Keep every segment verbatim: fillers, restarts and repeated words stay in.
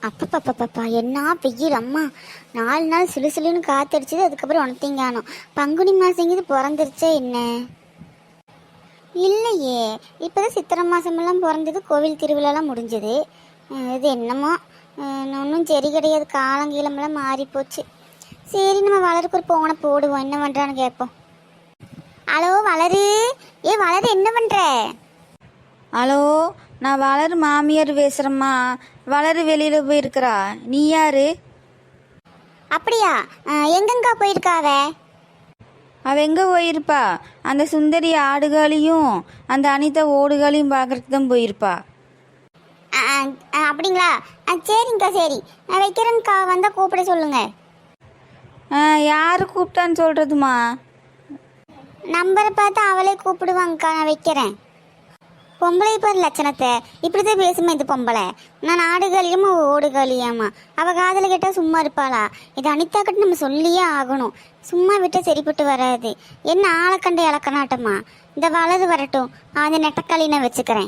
அப்பப்பப்பப்பா என்ன வெயில் அம்மா. நாலு நாள் சிலு சிலுன்னு காத்தடிச்சது, அதுக்கப்புறம் உனத்தையும் காணும். பங்குனி மாசங்கிறது பிறந்துருச்சே என்ன? இல்லையே, இப்போதான் சித்திரை மாசமெல்லாம் பிறந்தது, கோவில் திருவிழாலாம் முடிஞ்சது. இது என்னமோ ஒன்றும் சரி கிடையாது, காலங்கீழமெல்லாம் மாறி போச்சு. சரி, நம்ம வளருக்கு ஒரு போனை போடுவோம், என்ன பண்ணுறான்னு கேட்போம். ஹலோ வளரு, ஏ வளரு என்ன பண்ணுற? ஹலோ, நான் வளரு மாமியார் பேசுகிறேம்மா. வளரு வெளியில் போயிருக்கிறா. நீ யாரு? அப்படியா, எங்கெங்கா போயிருக்காவ? அவள் எங்கே போயிருப்பா? அந்த சுந்தரி ஆடுகளையும் அந்த அனிதா ஓடுகளையும் பார்க்குறதுக்கு தான் போயிருப்பா. அப்படிங்களா? சரிங்கக்கா, சரி நான் வைக்கிறேன்க்கா, வந்தால் கூப்பிட சொல்லுங்க. யார் கூப்பிட்டான்னு சொல்கிறதுமா? நம்பரை பார்த்து அவளே கூப்பிடுவாங்கக்கா, நான் வைக்கிறேன். பொம்பளை பாரு லட்சணத்தை, இப்படிதான் பேசுமா இந்த பொம்பளை. நான் ஆடுகளையுமா ஓடுகளையாமா? அவள் காதில் கேட்டால் சும்மா இருப்பாளா? இது அனிதா கிட்ட நம்ம சொல்லியே ஆகணும், சும்மா விட்டால் சரிப்பட்டு வராது. என்ன ஆளை கண்டு இலக்கணாட்டமா? இந்த வலது வரட்டும், அந்த நெட்டக்காளி நான் வச்சுக்கிறேன்.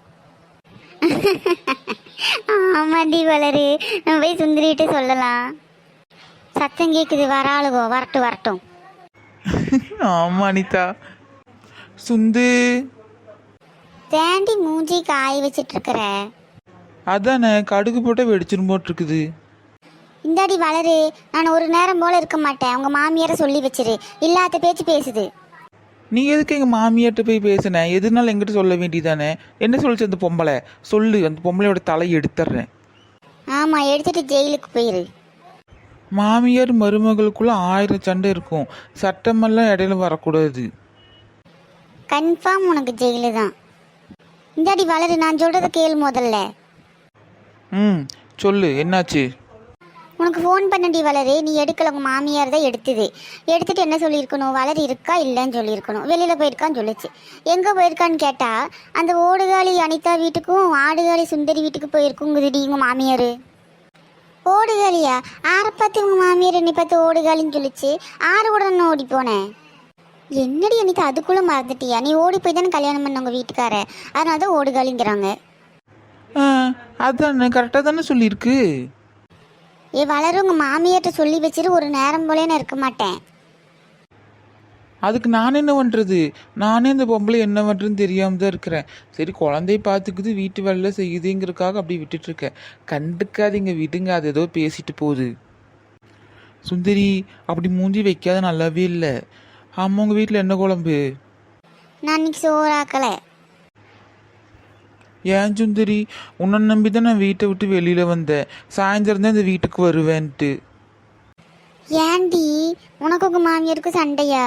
ஆமாண்டி வளரு, நம்ம போய் சுந்தரிட்டு சொல்லலாம். சத்தம் கேட்குது, வராளுகோ, வரட்டும் வரட்டும். ஆமா அனிதா. சுந்து தேண்டி மூஞ்சி காய வச்சிட்டு இருக்கிற? அதானே, கடுகு போட்ட வெடிச்சிரும் போட்டிருக்குது. இந்தாடி வளரு, நான் ஒரு நேரம் போல இருக்க மாட்டேன், உங்க மாமியார சொல்லி வச்சிரு, இல்லாத பேச்சு பேசுது. நீ எதுக்கு எங்க மாமியார்ட்ட போய் பேசுன? எதுனாலும் எங்கிட்ட சொல்ல வேண்டியதானே? என்ன சொல்லிச்சு அந்த பொம்பளை? சொல்லு, அந்த பொம்பளையோட தலையை எடுத்துட்றேன். ஆமா, எடுத்துட்டு ஜெயிலுக்கு போயிரு. மாமியார் மருமகளுக்குள்ள ஆயிரம் சண்டை இருக்கும், சட்டமெல்லாம் இடையில வரக்கூடாது. கன்ஃபார்ம் உனக்கு ஜெயிலு தான். இந்தாடி வளரு, நான் சொல்றத கேளு முதல்ல. ம் சொல்லு, என்னாச்சு? உனக்கு ஃபோன் பண்ணடி வளரு, நீ எடுக்கல, உங்க மாமியார் தான் எடுத்துது. எடுத்துட்டு என்ன சொல்லியிருக்கணும்? வளரு இருக்கா இல்லைன்னு சொல்லியிருக்கணும். வெளியில் போயிருக்கான்னு சொல்லிச்சு. எங்கே போயிருக்கான்னு கேட்டால் அந்த ஓடுகாலி அனிதா வீட்டுக்கும் ஆடுகாலி சுந்தரி வீட்டுக்கு போயிருக்குங்குதுடி உங்கள் மாமியார். ஓடுகாலியா? ஆரை பார்த்து உங்கள் மாமியார் என்னை பார்த்து ஓடுகாலின்னு சொல்லிச்சு. ஆறு கூட நான் ஓடி போனேன். என்னடி அனிதா அதுக்குள்ளே மறந்துட்டியா? நீ ஓடி போய் தானே கல்யாணம் பண்ண உங்கள் வீட்டுக்கார, அதனால தான் ஓடுகாலிங்கிறாங்க. ஆ அதானே, கரெக்டாக தானே சொல்லியிருக்கு. ஏ வளரும், உங்கள் மாமியார்ட்ட சொல்லி வச்சிரு, ஒரு நேரம் போலே நான் இருக்க மாட்டேன். அதுக்கு நான் என்ன பண்ணுறது? நானே இந்த பொம்பளை என்ன பண்ணுறதுன்னு தெரியாமல் தான் இருக்கிறேன். சரி, குழந்தைய பார்த்துக்குது, வீட்டு வேலை செய்யுதுங்கிறதுக்காக அப்படி விட்டுட்ருக்கேன். கண்டுக்காதீங்க, விடுங்க, அது ஏதோ பேசிட்டு போகுது. சுந்தரி, அப்படி மூஞ்சி வைக்காத, நல்லாவே இல்லை. ஆமாம், உங்கள் வீட்டில் என்ன குழம்பு? நான் இன்னைக்கு சோறாக்கலை. ஏன் சுந்தரி, உன்னை நம்பி தான் நான் வீட்டை விட்டு வெளியில் வந்தேன். சாயந்தரம் தான் இந்த வீட்டுக்கு வருவேன்ட்டு. ஏண்டி, உனக்கு உங்க மாமியாருக்கு சண்டையா?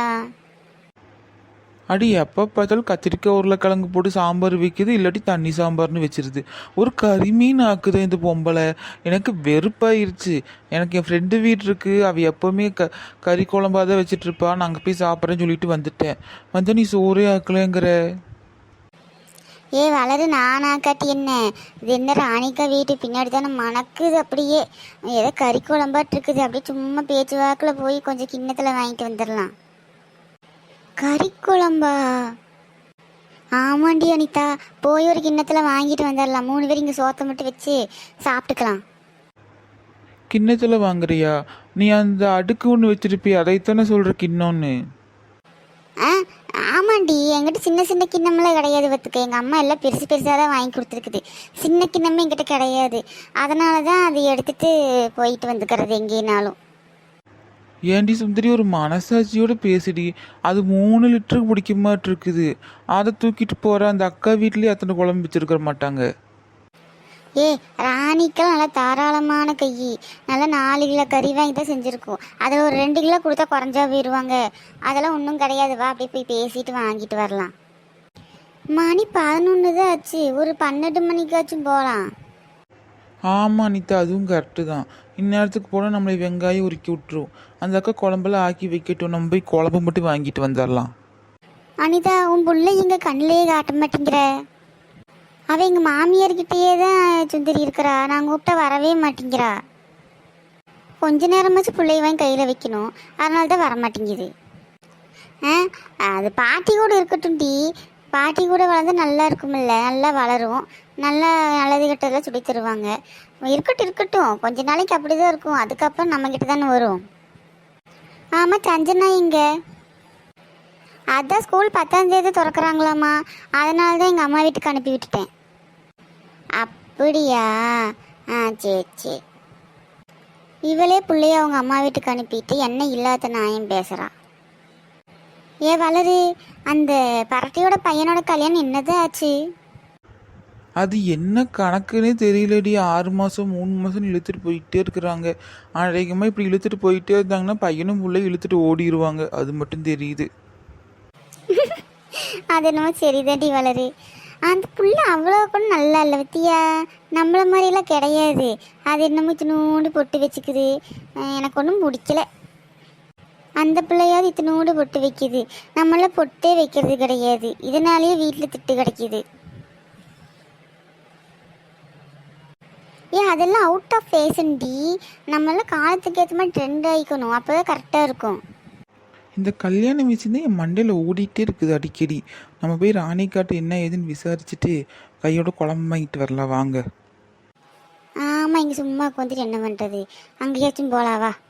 அடி, எப்போ பார்த்தாலும் கத்திரிக்காய் உருளைக்கிழங்கு போட்டு சாம்பார் வைக்குது, இல்லாட்டி தண்ணி சாம்பார்னு வச்சிருது. ஒரு கறிமீன் ஆக்குது இந்த பொம்பளை. எனக்கு வெறுப்பாயிருச்சு. எனக்கு என் ஃப்ரெண்டு வீடு இருக்குது, அவள் எப்போவுமே க கறி குழம்பாக தான் வச்சிட்ருப்பா. நான் அங்கே போய் சாப்பிட்றேன்னு சொல்லிட்டு வந்துட்டேன். வந்து நீ சோறே ஆக்கலைங்கிற. ஏ வளரு, நானா காட்டி என்ன? இது என்ன ராணிக்கா வீட்டு பின்னாடி தானே மணக்குது, அப்படியே ஏதோ கறி குழம்பாட்டு இருக்குது. அப்படியே சும்மா பேச்சு வாக்கில் போய் கொஞ்சம் கிண்ணத்தில் வாங்கிட்டு வந்துடலாம். கறி குழம்பா? ஆமாண்டி அனிதா, போய் ஒரு கிண்ணத்தில் வாங்கிட்டு வந்துடலாம். மூணு பேர் இங்கே சோத்தை மட்டும் வச்சு சாப்பிட்டுக்கலாம். கிண்ணத்தில் வாங்குறியா? நீ அந்த அடுக்கு ஒன்று வச்சிருப்பிய, அதைத்தானே சொல்கிற கிண்ணோன்னு? ஆ ஆமாண்டி, என்கிட்ட சின்ன சின்ன கிண்ணமெல்லாம் கிடையாது பார்த்துக்க. எங்கள் அம்மா எல்லாம் பெருசு பெருசாக தான் வாங்கி கொடுத்துருக்குது. சின்ன கிண்ணமே என்கிட்ட கிடையாது. அதனால தான் அதை எடுத்துகிட்டு போயிட்டு வந்துக்கிறது எங்கேனாலும். ஏண்டி சுந்தரி, ஒரு மனசாட்சியோடு பேசிடி. அது மூணு லிட்டருக்கு பிடிக்க மாட்டிருக்குது. அதை தூக்கிட்டு போகிற அந்த அக்கா வீட்லேயே அத்தனை குழம்பு வச்சுருக்க மாட்டாங்க. ஏ ராணிக்கெல்லாம் நல்லா தாராளமான கை, நல்லா நாலு கிலோ கறி வாங்கி தான் செஞ்சுருக்கோம். அதில் ஒரு ரெண்டு கிலோ கொடுத்தா குறைஞ்சா போயிடுவாங்க. அதெல்லாம் ஒன்றும் கிடையாது, வா அப்படியே போய் பேசிட்டு வாங்கிட்டு வரலாம். மணி பதினொன்று தான் ஆச்சு, ஒரு பன்னெண்டு மணிக்காச்சும் போகலாம். ஆமாம் அனிதா, அதுவும் கரெக்டு தான். இந்நேரத்துக்கு போனால் நம்மளை வெங்காயம் உருக்கி விட்டுரும். அந்த அக்கா குழம்பெல்லாம் ஆக்கி வைக்கட்டும், நம்ம போய் குழம்பு மட்டும் வாங்கிட்டு வந்துடலாம். அனிதா, உன் பிள்ளை எங்கள் கண்ணிலேயே காட்ட மாட்டேங்கிற. அவள் எங்கள் மாமியார்கிட்டயே தான் சுந்தரி இருக்கிறா, நான் கூப்பிட்டா வரவே மாட்டேங்கிறா. கொஞ்ச நேரமாச்சும் பிள்ளைய வாங்கி கையில் வைக்கணும், அதனால தான் வரமாட்டேங்குது. ஆ அது பாட்டி கூட இருக்கட்டும் டி, பாட்டி கூட வளர்ந்தா நல்லா இருக்குமில்ல, நல்லா வளரும். நல்லா நல்லது கெட்டதெல்லாம் சொல்லி தருவாங்க. இருக்கட்டும் இருக்கட்டும், கொஞ்ச நாளைக்கு அப்படி தான் இருக்கும், அதுக்கப்புறம் நம்மக்கிட்ட தானே வரும். ஆமாம், சஞ்சனா இங்க அதான் ஸ்கூல் பத்தாம் தேதி திறக்கிறாங்களாம்மா, அதனால தான் எங்கள் அம்மா வீட்டுக்கு அனுப்பி விட்டுட்டேன். அப்படியா? ஆ சரி சரி. இவளே பிள்ளைய அவங்க அம்மா வீட்டுக்கு அனுப்பிட்டு என்ன இல்லாத நாயம் பேசுகிறா. ஏ வளரு, அந்த பரட்டியோட பையனோட கல்யாணம் என்னதான் ஆச்சு? அது என்ன கணக்குன்னே தெரியலடி. ஆறு மாதம் மூணு மாதம் இழுத்துட்டு போயிட்டே இருக்கிறாங்க. அநேகமாக இப்படி இழுத்துட்டு போயிட்டே இருந்தாங்கன்னா பையனும் பிள்ளை இழுத்துட்டு ஓடிடுவாங்க. அது மட்டும் தெரியுது. அது என்னமோ சரிதாண்டி வளரு. அந்த புள்ள அவ்வளோ கூட நல்லா இல்லை பத்தியா, நம்மள மாதிரிலாம் கிடையாது. அது என்னமோ இத்தினோண்டு பொட்டு வச்சுக்குது, எனக்கு ஒன்றும் பிடிக்கல. அந்த பிள்ளையாவது இத்தினோண்டு பொட்டு வைக்குது, நம்மளாம் பொட்டே வைக்கிறது கிடையாது. இதனாலேயே வீட்டில் திட்டு கிடைக்கிது. ஏன் அதெல்லாம் அவுட் ஆஃப் ஃபேஷன் டி, நம்மளாம் காலத்துக்கு ஏற்ற மாதிரி ட்ரெண்ட் ஆகிக்கணும், அப்போ தான் கரெக்டாக இருக்கும். இந்த கல்யாண விஷயம் தான் என் மண்டையில் ஓடிட்டே இருக்குது அடிக்கடி. நம்ம போய் ராணிக்காட்டு என்ன ஏதுன்னு விசாரிச்சுட்டு கையோட குழம்பு வாங்கிட்டு வரலாம் வாங்க. ஆமாம், இங்கே சும்மா உட்காந்துட்டு என்ன பண்ணுறது, அங்கேயாச்சும் போலாவா?